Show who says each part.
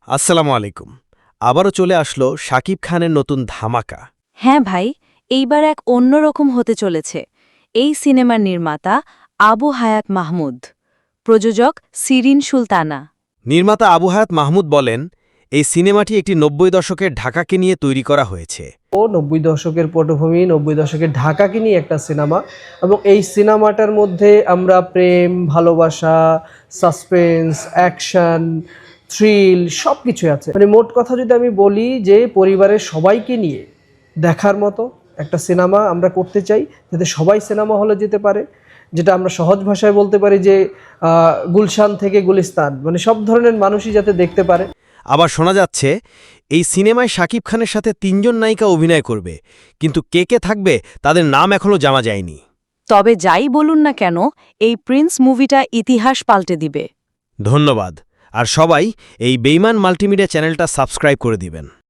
Speaker 1: আসসালামু আলাইকুম। আবারও চলে আসলো শাকিব খানের নতুন ধামাকা।
Speaker 2: হ্যাঁ ভাই, এইবার এক অন্যরকম হতে চলেছে। এই সিনেমার নির্মাতা আবু হায়াত মাহমুদ, প্রযোজক শিরিন সুলতানা।
Speaker 1: নির্মাতা আবু হায়াত মাহমুদ বলেন, এই সিনেমাটি একটি ৯০ দশকের ঢাকাকে নিয়ে তৈরি করা হয়েছে।
Speaker 3: ৯০ দশকের পটভূমি, ৯০ দশকের ঢাকাকে নিয়ে একটা সিনেমা, এবং এই সিনেমাটার মধ্যে আমরা প্রেম, ভালোবাসা, সাসপেন্স, অ্যাকশন, থ্রিল সব কিছুই আছে। মানে মোট কথা যদি আমি বলি যে পরিবারের সবাইকে নিয়ে দেখার মতো একটা সিনেমা আমরা করতে চাই, যাতে সবাই সিনেমা হলে যেতে পারে। যেটা আমরা সহজ ভাষায় বলতে পারি যে গুলশান থেকে গুলিস্তান, মানে সব ধরনের মানুষই যাতে দেখতে পারে।
Speaker 1: আবার শোনা যাচ্ছে এই সিনেমায় শাকিব খানের সাথে ৩ জন নায়িকা অভিনয় করবে, কিন্তু কে কে থাকবে তাদের নাম এখনও জানা যায়নি।
Speaker 2: তবে যাই বলুন না কেন, এই প্রিন্স মুভিটা ইতিহাস পাল্টে দিবে।
Speaker 1: ধন্যবাদ। আর সবাই এই বেইমান মাল্টিমিডিয়া চ্যানেলটা সাবস্ক্রাইব করে দিবেন।